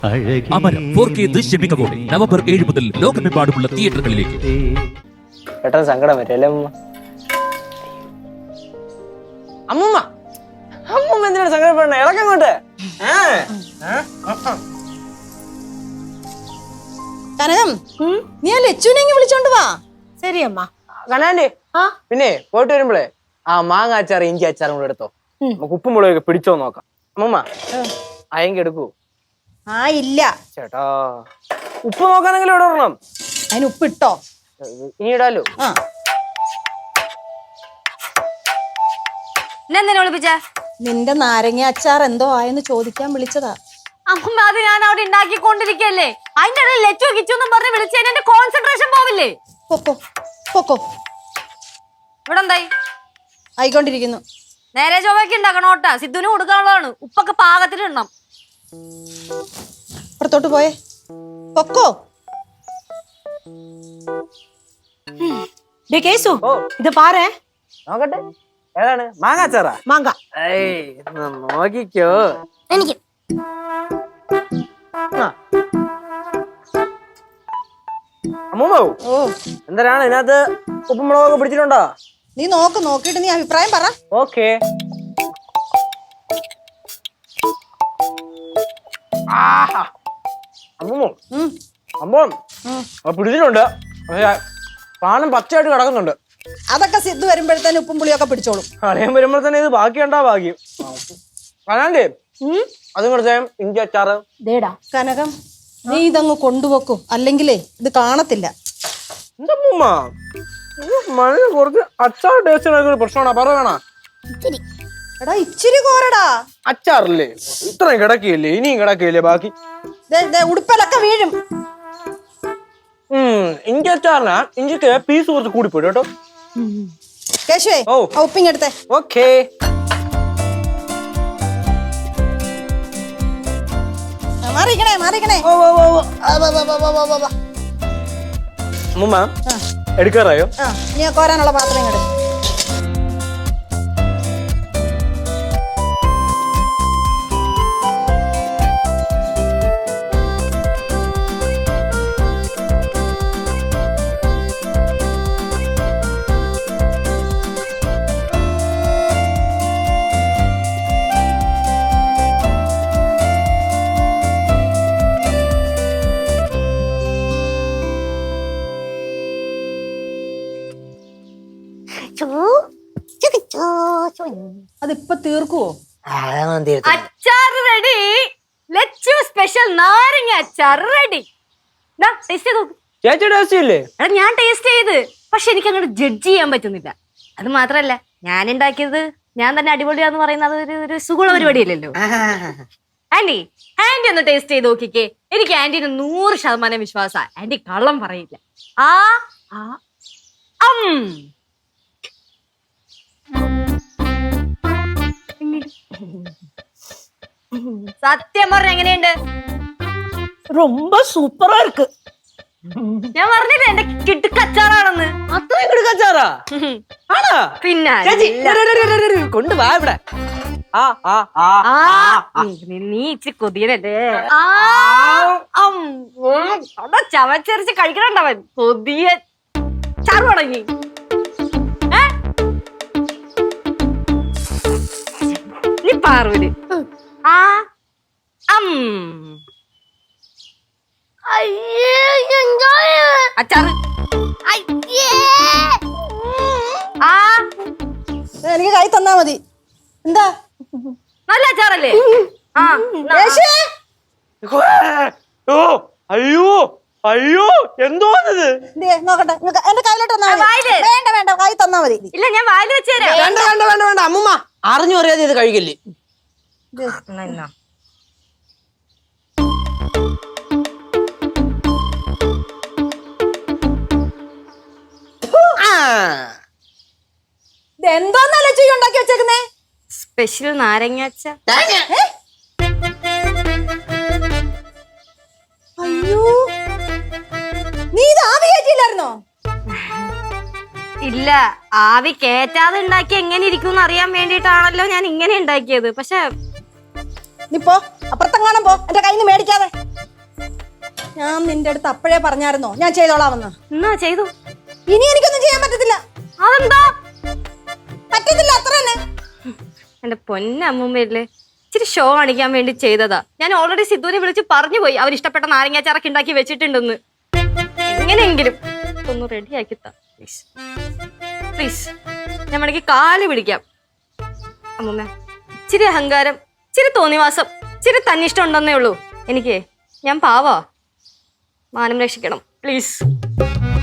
അമരം 4K ദൃശ്യമികവോടെ November 7 മുതൽ ലോകമെമ്പാടുമുള്ള തിയേറ്ററുകളിലേക്ക്. പെട്ടെന്ന് സങ്കടം വരല്ലേ അമ്മൂമ്മ? അമ്മൂമ്മ എന്തിനാണ് സങ്കടപ്പെടണേ? ഇളക്കങ്ങോട്ട്. കനകം, നീ ആ ലച്ചുവിനെ വിളിച്ചോണ്ട് വാ. ശരി അമ്മ. കനാൻഡി, പിന്നെ പോയിട്ട് വരുമ്പോഴേ ആ മാങ്ങ അച്ചാറ് ഇഞ്ചി അച്ചാറും കൂടെ എടുത്തോ. നമുക്ക് ഉപ്പും മുളകൊക്കെ പിടിച്ചോ നോക്കാം. അമ്മൂമ്മ അയങ്കി എടുക്കൂ. ആ ഇല്ല ചേട്ടാ, ഉപ്പ് നോക്കാനെങ്കിലും ഇവിടെ ഇടണം. അതിന് ഉപ്പ് ഇട്ടോ? ഇനി ഇടാലോ. നിന്റെ നാരങ്ങ അച്ചാർ എന്തോ ആയെന്ന് ചോദിക്കാൻ വിളിച്ചതാ. അമ്മ, അത് ഞാൻ അവിടെ ഉണ്ടാക്കിക്കൊണ്ടിരിക്കല്ലേ. അതിന്റെ ഇടയിൽ ലച്ചു കിച്ചു പറഞ്ഞ് വിളിച്ചതിന് എന്റെ കോൺസെൻട്രേഷൻ പോവില്ലേ? പൊക്കോ പൊക്കോ. ഇവിടെ എന്തായി? ആയിക്കൊണ്ടിരിക്കുന്നു. നേരെ ചൊവ്വയ്ക്ക് ഉണ്ടാക്കണോട്ടാ. സിദ്ധുവിന് കൊടുക്കാനുള്ളതാണ്. ഉപ്പൊക്കെ പാകത്തിലിടണം. പുറത്തോട്ട് പോയേ. പൊക്കോ. കേസു, ഇത് പാരേ. നോക്കട്ടെ, ഏതാണ്? മാങ്ങ അച്ചാറാ? മാങ്ങ. നോക്കിക്കോ. എനിക്ക് അമ്മൂമ്മ, എന്തിനാണ് ഇതിനകത്ത് ഉപ്പും മുളകൊക്കെ പിടിച്ചിട്ടുണ്ടോ? നീ നോക്കിട്ട് നീ അഭിപ്രായം പറ. ഓക്കെ. അമ്മൂമ്മ, സംഭവം പിടിച്ചിട്ടുണ്ട്. പാനം പച്ചയായിട്ട് കിടക്കുന്നുണ്ട്. അതൊക്കെ സിദ്ധു വരുമ്പോഴത്തേന് ഉപ്പും പുളിയൊക്കെ പിടിച്ചോളും. അറിയാൻ വരുമ്പോ തന്നെ ഇത് ബാക്കിയുണ്ടാ ഭാഗ്യം. കനാണ്ടേ, അതും കുറച്ച് ഇഞ്ചി അച്ചാറ്. കനകം, നീ ഇതങ്ങ് കൊണ്ടുവെക്കും, അല്ലെങ്കിലേ ഇത് കാണത്തില്ല. എന്താ അമ്മൂമ്മ, മഴ കുറച്ച് അച്ചാർ ടേസ്റ്റ് പ്രശ്നമാണോ? പറയണ എടാ ഇച്ചിരി കോരടാ. അച്ചാറില്ലേ ഇത്രയും കിടക്കിയില്ലേ? ഇനിയും കിടക്കിയില്ലേ ബാക്കി? ഉടുപ്പലൊക്കെ വീഴും. ഇഞ്ചി അച്ചാറിനാ ഇഞ്ചിക്ക് പീസ് കുറച്ച് കൂടിപ്പോയി കേട്ടോ. കേശുവേ, ഉപ്പിങ്ങെടുത്തേ. ഓക്കേ. മാറിക്കണേ. അമ്മൂമ്മ എടുക്കാറായോ? നീ കോരാനുള്ള പാത്രം ഇങ്ങട്. അതിപ്പോ തീർക്കുവോ? അച്ചാർ റെഡി. ലച്ചു സ്പെഷ്യൽ നാരങ്ങ അച്ചാർ റെഡി. ചേച്ചി ടേസ്റ്റ് ഇല്ലേ? എടാ, ഞാൻ ടേസ്റ്റ് ചെയ്ത്, പക്ഷെ എനിക്ക് അങ്ങോട്ട് ജഡ്ജ് ചെയ്യാൻ പറ്റുന്നില്ല. അത് മാത്രല്ല, ഞാൻ ഉണ്ടാക്കിയത് ഞാൻ തന്നെ അടിപൊളിയാന്ന് പറയുന്നത് ഒരു സുഖമുള്ള പരിപാടിയല്ലല്ലോ. ആന്റി ഒന്ന് ടേസ്റ്റ് ചെയ്ത് നോക്കിക്കേ. എനിക്ക് ആന്റിന് 100% വിശ്വാസാ. ആന്റി കള്ളം പറയില്ല. സത്യം പറഞ്ഞ എങ്ങനെയുണ്ട്? ரொம்ப സൂപ്പറാ ഇருக்கு. ഞാൻ പറഞ്ഞില്ല എന്റെ കിടുക്കച്ചാറാണെന്ന്. അത്രയും കിടുക്കച്ചാറാ? പിന്നെ കൊണ്ടുവാ ഇവിടെ. നീ ഇച്ചിരി കൊതിയനല്ലേ? ചവച്ചരച്ച് കഴിക്കണണ്ടവൻ കൊതിയ ചാറ് തുടങ്ങി. നീ പാറൂര് അച്ചാറ് എനിക്ക് കൈ തന്നാ മതി. എന്താ നല്ല അച്ചാറല്ലേ? അയ്യോ എന്തോന്നത്? നോക്കട്ടെ, എന്റെ കയ്യിലോട്ട് വേണ്ട കൈ തന്നാ മതി. ഇല്ല, ഞാൻ വായിൽ വെച്ചുതരാം. വേണ്ട അമ്മൂമ്മ, അറിഞ്ഞു അറിയാതെ ഇത് കഴിക്കില്ലേ? എന്തോന്നല്ല ഉണ്ടാക്കി വെച്ചേക്കുന്നേ? സ്പെഷ്യൽ നാരങ്ങ അച്ചാർ. അയ്യോ, നീ ഇത് ആവി കയറ്റിയില്ലായിരുന്നോ? ഇല്ല, ആവി കേറ്റാതെ ഉണ്ടാക്കി എങ്ങനെ ഇരിക്കും അറിയാൻ വേണ്ടിട്ടാണല്ലോ ഞാൻ ഇങ്ങനെ ഉണ്ടാക്കിയത്. പക്ഷെ നീ പോ, അപ്പുറത്തെങ്ങാനും പോ, എന്റെ കയ്യിൽ നിന്ന് മേടിക്കാതെ. ഞാൻ നിന്റെ അടുത്ത് അപ്പോഴേ പറഞ്ഞായിരുന്നോ ഞാൻ ചെയ്തോളാമെന്ന്. എന്നാ ചെയ്തു. ഇനി എനിക്കൊന്നും ചെയ്യാൻ പറ്റത്തില്ല. അതെന്താ? പറ്റത്തില്ല, അത്ര തന്നെ. എന്റെ പൊന്നമ്മൂമ്മയില്ലേ, ഇച്ചിരി ഷോ കാണിക്കാൻ വേണ്ടി ചെയ്തതാ. ഞാൻ ഓൾറെഡി സിദ്ധുവിനെ വിളിച്ച് പറഞ്ഞു പോയി അവർ ഇഷ്ടപ്പെട്ട നാരങ്ങാച്ചാറൊക്കെ ഉണ്ടാക്കി വെച്ചിട്ടുണ്ടെന്ന്. എങ്ങനെയെങ്കിലും ഒന്ന് റെഡിയാക്കി താ പ്ലീസ് പ്ലീസ്. ഞാൻ വേണമെങ്കിൽ കാല് പിടിക്കാം. അമ്മൂമ്മ, ഇച്ചിരി അഹങ്കാരം, ഇച്ചിരി തോന്നിവാസം, ഇച്ചിരി തന്നിഷ്ടം ഉണ്ടെന്നേ ഉള്ളൂ എനിക്ക്. ഞാൻ പാവാ, മാനം രക്ഷിക്കണം പ്ലീസ്.